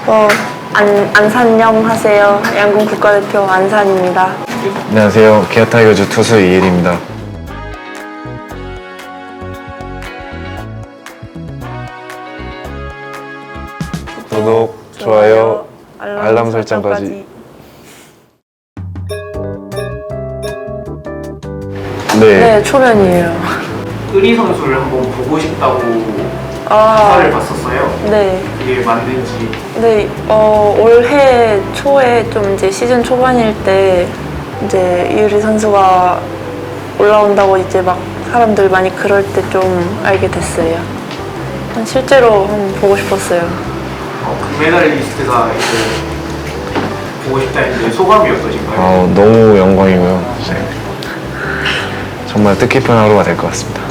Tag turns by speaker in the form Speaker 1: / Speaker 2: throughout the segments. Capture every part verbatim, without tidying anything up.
Speaker 1: 어, 안, 안산영 하세요. 양궁 국가대표 안산입니다.
Speaker 2: 안녕하세요. 기아 타이거즈 투수 이일입니다. 구독, 좋아요, 알람, 알람 설정까지. 네.
Speaker 1: 네, 초면이에요.
Speaker 3: 의리 선수를 한번 보고 싶다고
Speaker 1: 아,
Speaker 3: 기사를 봤었어요.
Speaker 1: 네.
Speaker 3: 그게 맞는지.
Speaker 1: 네, 어, 올해 초에 좀 이제 시즌 초반일 때 이제 이유리 선수가 올라온다고 이제 막 사람들 많이 그럴 때 좀 알게 됐어요. 실제로 한번 보고 싶었어요.
Speaker 3: 어, 금메달리스트가 이제 보고 싶다 했는데 소감이 어떠신가요?
Speaker 2: 어, 너무 영광이고요. 이제 정말 뜻깊은 하루가 될 것 같습니다.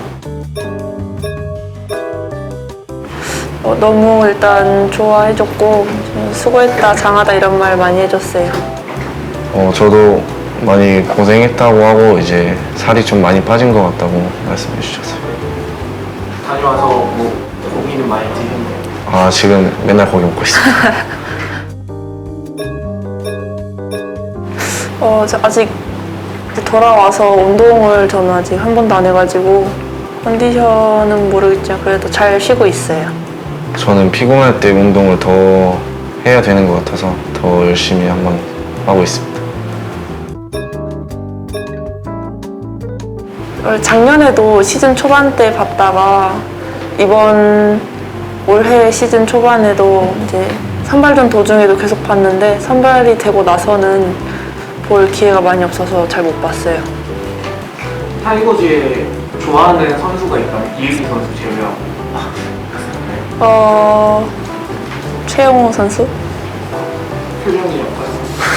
Speaker 1: 어, 너무 일단 좋아해줬고 수고했다, 장하다 이런 말 많이 해줬어요.
Speaker 2: 어, 저도 많이 고생했다고 하고 이제 살이 좀 많이 빠진 것 같다고 말씀해 주셨어요.
Speaker 3: 다녀와서 뭐 고기는 많이 드셨나요?
Speaker 2: 아, 지금 맨날 고기 먹고 있습니다.
Speaker 1: 어, 저 아직 돌아와서 운동을 저는 아직 한 번도 안 해가지고 컨디션은 모르겠지만 그래도 잘 쉬고 있어요.
Speaker 2: 저는 피곤할 때 운동을 더 해야 되는 것 같아서 더 열심히 한번 하고 있습니다.
Speaker 1: 작년에도 시즌 초반 때 봤다가 이번 올해 시즌 초반에도 이제 선발전 도중에도 계속 봤는데 선발이 되고 나서는 볼 기회가 많이 없어서 잘 못 봤어요.
Speaker 3: 타이거즈에 좋아하는 선수가 있다면 이유리 선수 제외하고.
Speaker 1: 어... 최영호 선수?
Speaker 3: 표정이 약간.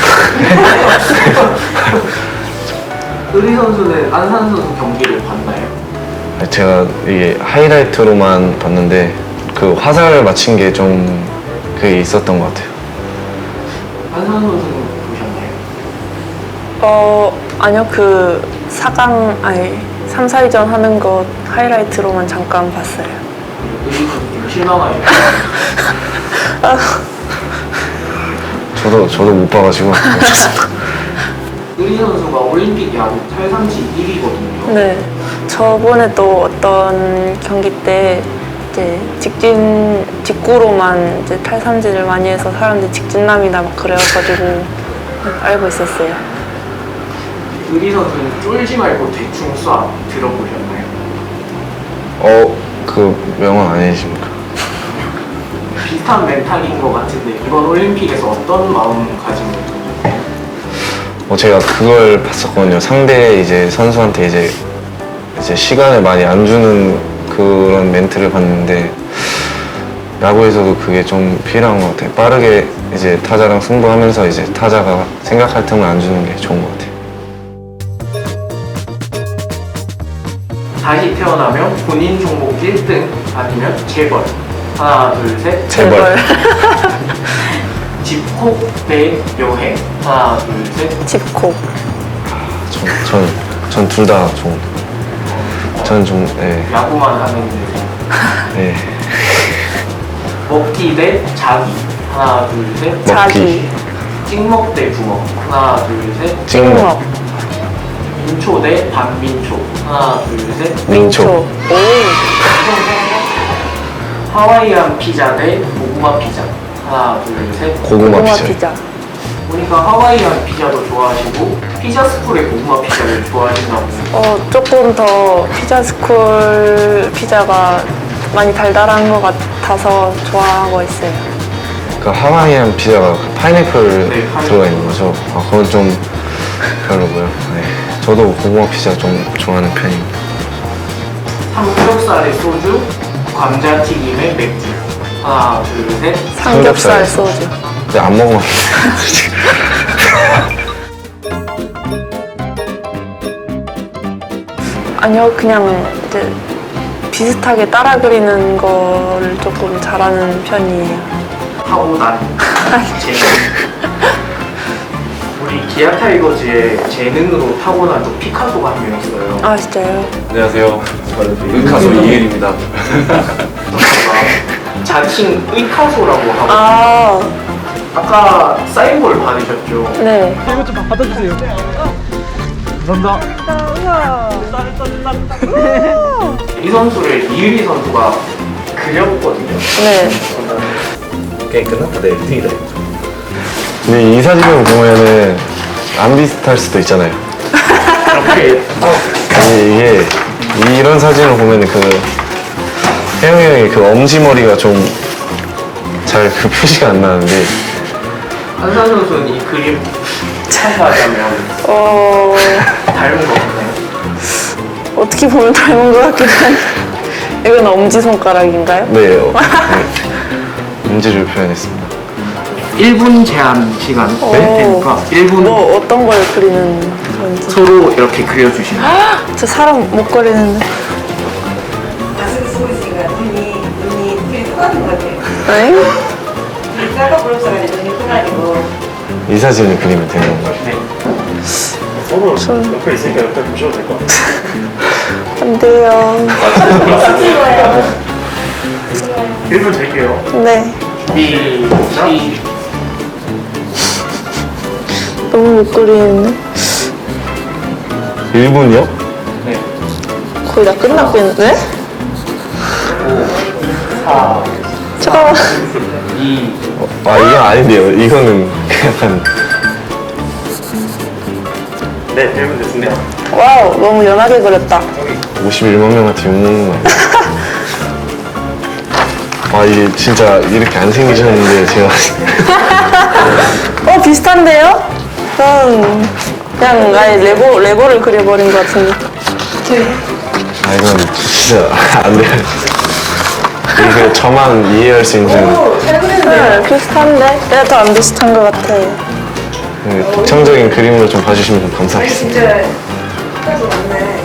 Speaker 3: 의리 선수는 안산 선수 경기를 봤나요?
Speaker 2: 제가 이게 하이라이트로만 봤는데 그 화살 맞힌 게 좀 그게 있었던 것 같아요.
Speaker 3: 안산 선수는 보셨나요?
Speaker 1: 어... 아니요, 그 사 강... 아니 삼, 사위전 하는 거 하이라이트로만 잠깐 봤어요.
Speaker 3: 의리 선수 좀 실망하셨나요?
Speaker 2: 저도 저도 못 봐가지고
Speaker 3: 의리 선수가 올림픽 야구 탈삼진 일 위거든요.
Speaker 1: 네. 저번에 또 어떤 경기 때 이제 직진, 직구로만 이제 탈삼진을 많이 해서 사람들이 직진남이다 막 그래가지고 알고 있었어요.
Speaker 3: 의리 선수는 쫄지 말고 대충 쏴 들어보셨나요?
Speaker 2: 어, 그 명언 아니십니까?
Speaker 3: 비슷한 멘탈인 것 같은데 이번 올림픽에서 어떤 마음가짐을 던졌나요?
Speaker 2: 어, 제가 그걸 봤었거든요. 상대 이제 선수한테 이제 이제 시간을 많이 안 주는 그런 멘트를 봤는데 야구에서도 그게 좀 필요한 것 같아요. 빠르게 이제 타자랑 승부하면서 이제 타자가 생각할 틈을 안 주는 게 좋은 것 같아요.
Speaker 3: 다시 태어나면 본인 종목 일 등 아니면 재벌. 하나 둘 셋.
Speaker 2: 재벌.
Speaker 3: 집콕 대 여행. 하나 둘 셋.
Speaker 1: 집콕.
Speaker 2: 전전 둘 다 좋은. 저는 좀 네.
Speaker 3: 야구만 하는 데
Speaker 2: 네.
Speaker 3: 먹기 대 자기. 하나 둘 셋.
Speaker 1: 자기.
Speaker 3: 찍먹 대 부먹. 하나 둘 셋.
Speaker 2: 찍먹.
Speaker 3: 민초 대 반민초. 하나 둘 셋.
Speaker 2: 민초.
Speaker 1: 오.
Speaker 3: 하와이안 피자 대 고구마 피자. 하나 둘 셋.
Speaker 2: 고구마
Speaker 1: 고구마
Speaker 2: 피자.
Speaker 1: 피자.
Speaker 3: 보니까 하와이안 피자도 좋아하시고 피자 스쿨의 고구마 피자를 좋아하신다고.
Speaker 1: 어, 조금 더 피자 스쿨 피자가 많이 달달한 것 같아서 좋아하고 있어요.
Speaker 2: 그 하와이안 피자가 그 파인애플
Speaker 3: 네, 파인애플.
Speaker 2: 들어가 있는 거죠. 아, 그건 좀 별로고요. 네. 저도 고구마 피자 좀 좋아하는 편입니다.
Speaker 3: 삼겹살에 소주, 감자튀김에 맥주. 하나 둘 셋.
Speaker 1: 삼겹살
Speaker 2: 삼겹살.
Speaker 1: 소주.
Speaker 2: 근데 안 먹으면
Speaker 1: 아니요, 그냥 이제 비슷하게 따라 그리는 거를 조금 잘하는 편이에요.
Speaker 3: 타고난 재능. 우리 기아 타이거즈의 재능으로 타고난 또 피카소가 한 명 있어요.
Speaker 1: 아, 진짜요?
Speaker 2: 안녕하세요. 저는 가수 이일입니다.
Speaker 3: 선수가 자칭 의카소라고 하고
Speaker 1: 아,
Speaker 3: 아까 사인볼 받으셨죠?
Speaker 1: 네.
Speaker 4: 이거 좀 받아주세요. 감사합니다.
Speaker 3: 이 선수를 이유리 선수가 그렸거든요.
Speaker 1: 네.
Speaker 5: 게임 끝났다 내 일 등이다.
Speaker 2: 근데 이 사진을 보면은 안 비슷할 수도 있잖아요.
Speaker 3: 이렇게
Speaker 2: 아니 이게 이런 사진을 보면은 그 혜영이 형이 그 엄지머리가 좀 잘 그 표시가 안 나는데
Speaker 3: 한산 선수는 이 그림 차지하자면
Speaker 1: 어,
Speaker 3: 닮은 거 없나요?
Speaker 1: 어떻게 보면 닮은 것 같긴 한데. 이건 엄지손가락인가요?
Speaker 2: 네, 어, 네. 엄지를 표현했습니다.
Speaker 3: 일 분 제한 시간
Speaker 1: 오.
Speaker 3: 되니까 일 분
Speaker 1: 뭐 어떤 걸 그리는 건지.
Speaker 3: 서로 이렇게 그려주시면
Speaker 1: 저 사람 못 그리는데.
Speaker 6: 마스크 쓰고 있으니까 눈이 눈이 눈이 똑같은 것 같아요.
Speaker 1: 네?
Speaker 6: 눈이 작아 보여서 눈이 커가지고
Speaker 2: 이 사진을 그리면 되는 건가요?
Speaker 5: 서로 옆에 있으니까 옆에 보셔도 될 것 같아요.
Speaker 1: 안 돼요.
Speaker 3: 일 분 드릴게요.
Speaker 1: 네.
Speaker 3: 시작.
Speaker 1: 너무 못 그리는데.
Speaker 2: 일 분이요?
Speaker 3: 네.
Speaker 1: 거의 다 끝나고 있는데?
Speaker 3: 사,
Speaker 1: 잠깐만.
Speaker 3: 이,
Speaker 2: 아 이건 아닌데요. 이거는 약간
Speaker 5: 네, 일 분 됐습니다.
Speaker 1: 와우, 너무 연하게 그렸다.
Speaker 2: 오십일만 명한테 욕먹는 거 아니에요? 아 이게 진짜 이렇게 안 생기셨는데 제가
Speaker 1: 어, 비슷한데요? 전 그냥 아예 레고, 레고를 그려버린 것 같은데.
Speaker 2: 아 이건 진짜 안 돼요. 이게 저만 이해할 수 있는
Speaker 1: 네, 비슷한데? 내가 더 안 비슷한 것 같아.
Speaker 2: 그 특징적인 그림으로 좀 봐주시면 좀 감사하겠습니다.
Speaker 6: 진짜 똑같이 맞네.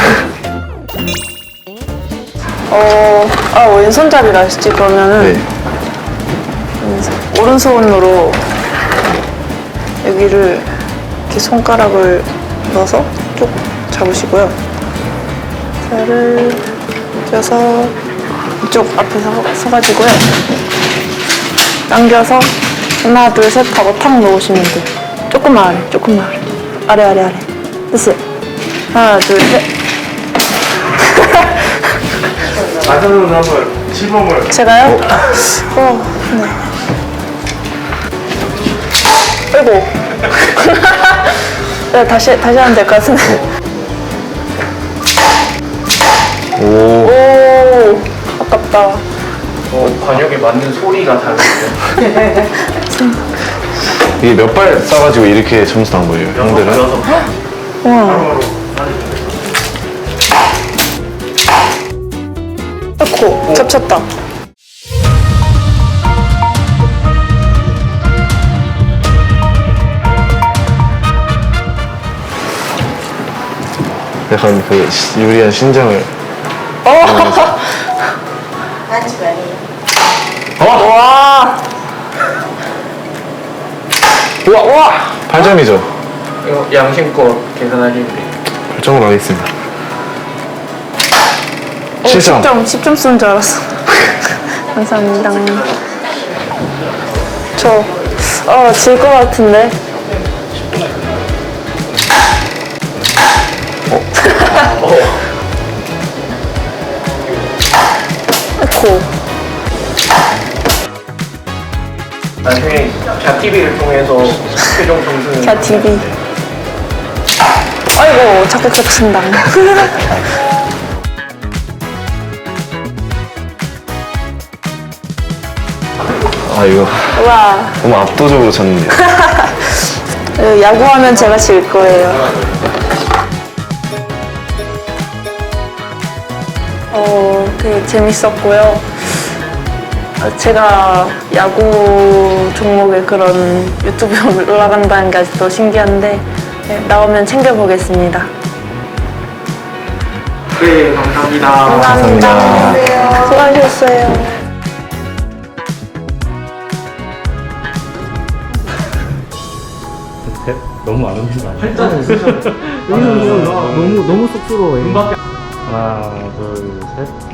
Speaker 1: 어, 아, 왼손잡이라 하시지, 그러면은.
Speaker 2: 네.
Speaker 1: 오른손으로 여기를 이렇게 손가락을 넣어서 쭉 잡으시고요. 살을 쪄서 이쪽 앞에 서, 서가지고요. 당겨서 하나, 둘, 셋 하고 탁 놓으시면 돼요. 조금만 아래, 조금만 아래. 아래, 아래, 아래. 됐어요. 하나, 둘, 셋.
Speaker 5: 마지막으로 한번 시범을.
Speaker 1: 제가요? 어, 네. 아이고. 네, 다시, 다시 하면 될 것 같은데.
Speaker 2: 오,
Speaker 1: 오, 아깝다.
Speaker 3: 어, 관역에 맞는 소리가 다르네요.
Speaker 2: 이게 몇 발 쏴가지고 이렇게 점수 나온 거예요, 형들은?
Speaker 5: 여섯
Speaker 1: 우와.
Speaker 5: 바로바로
Speaker 1: 아이고, 겹쳤다.
Speaker 2: 약간 그 시- 유리한 신장을
Speaker 1: 어,
Speaker 6: 반칙 아니에요.
Speaker 1: 와.
Speaker 2: 우와, 우와! 팔 점이죠?
Speaker 3: 이거 양심껏 계산하시면 돼요.
Speaker 2: 팔 점으로 하겠습니다.
Speaker 1: 오,
Speaker 2: 칠 점.
Speaker 1: 십 점, 십 점 쓰는 줄 알았어. 감사합니다. 저, 어, 질 것 같은데. 아이고.
Speaker 3: 나중에 갸티비를 통해서 최종 점수는
Speaker 1: 야, 디비. 아이고, 자꾸 겹친다.
Speaker 2: 아, 이거
Speaker 1: 와,
Speaker 2: 너무 압도적으로 졌는데.
Speaker 1: 어, 야구하면 제가 질 거예요. 어, 되게 재밌었고요. 어, 제가 야구 종목에 그런 유튜브에 올라간다는 게 아직도 신기한데, 네, 나오면 챙겨보겠습니다.
Speaker 3: 네, 감사합니다.
Speaker 1: 감사합니다. 수고하셨어요.
Speaker 4: 너무 안 웃는 거 아니야? 팔자는 너무 너무 쑥스러워해. 하나, 둘, 셋.